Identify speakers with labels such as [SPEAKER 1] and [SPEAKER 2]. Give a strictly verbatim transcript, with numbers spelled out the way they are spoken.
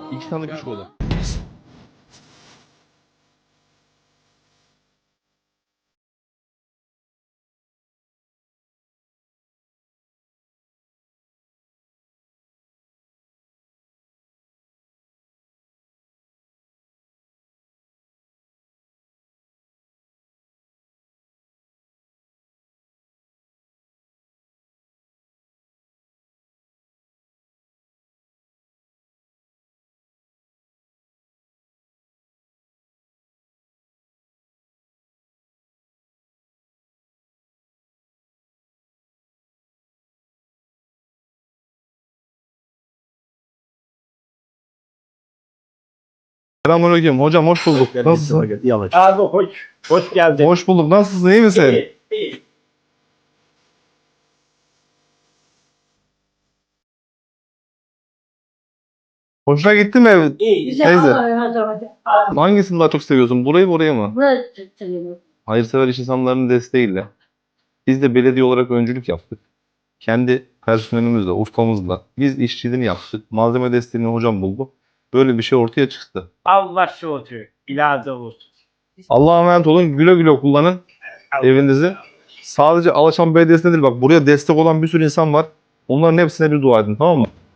[SPEAKER 1] İki tane küçük oda. Selamünaleyküm. Hocam hoş bulduk. Nasılsın?
[SPEAKER 2] Yavaş. Abi hoş, hoş geldin.
[SPEAKER 1] Hoş bulduk. Nasılsın? İyi misin?
[SPEAKER 2] İyi, iyi.
[SPEAKER 1] Hoşuna gitti mi ev?
[SPEAKER 2] İyi.
[SPEAKER 1] Teyze. Hangisini daha çok seviyorsun? Burayı mı orayı mı?
[SPEAKER 3] Burası seviyorum.
[SPEAKER 1] Hayırsever iş insanlarının desteğiyle. Biz de belediye olarak öncülük yaptık. Kendi personelimizle, ufkamızla. Biz işçiliğini yaptık. Malzeme desteğini hocam buldu. Böyle bir şey ortaya çıktı.
[SPEAKER 2] Allah şu oturuyor. İlahi olsun.
[SPEAKER 1] Allah'a emanet olun. Güle güle kullanın evinizi. Sadece Alışan Belediyesi'ne değil bak buraya destek olan bir sürü insan var. Onların hepsine bir dua edin, tamam mı?